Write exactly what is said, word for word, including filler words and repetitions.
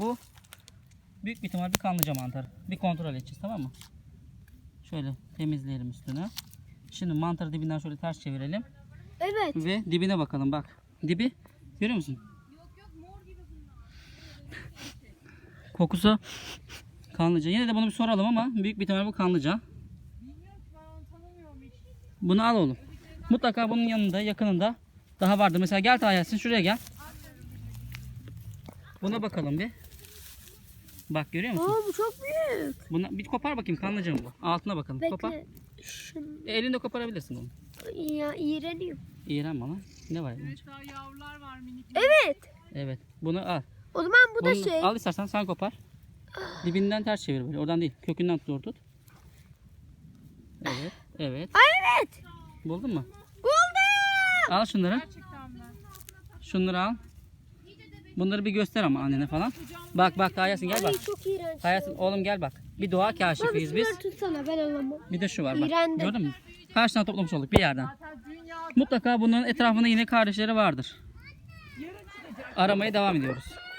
Bu büyük bir ihtimal bir kanlıca mantarı. Bir kontrol edeceğiz, tamam mı? Şöyle temizleyelim üstünü. Şimdi mantarı dibinden şöyle ters çevirelim. Evet. Ve dibine bakalım, bak. Dibi görüyor musun? Kokusu kanlıca. Yine de bunu bir soralım ama büyük bir ihtimal bu kanlıca. Bunu al oğlum. Mutlaka bunun yanında, yakınında daha vardır. Mesela gel Tayyarsin, şuraya gel. Buna bakalım bir. Bak görüyor musun? Aa, bu çok büyük. Buna bir kopar bakayım, kanlıca mı bu? Altına bakalım. Kopar. Bekle. Şunu. E, elinde koparabilirsin onu. Ya iğreniyorum. İğrenme lan. Ne var? Evet, daha yavrular var minik. Evet. Evet. Bunu al. O zaman bu da Bunu şey. al istersen, sen kopar. Dibinden ters çevir böyle. Oradan değil. Kökünden zor tut. Evet. Evet. Ay evet. Buldun mu? Buldum. Al şunları. Gerçekten mi? Şunları al. Bunları bir göster ama annene falan. Bak bak Tayyarsin, gel bak. Ay çok iğrenç. Tayyarsin oğlum, gel bak. Bir doğa Baba kaşifiyiz biz. şunları tutsana, ben alamam. Bir de şu var bak. İğrendim. Gördün mü? Kaç tane toplamış olduk bir yerden. Zaten dünya Mutlaka bunların etrafında yine kardeşleri vardır. Aramaya devam ediyoruz.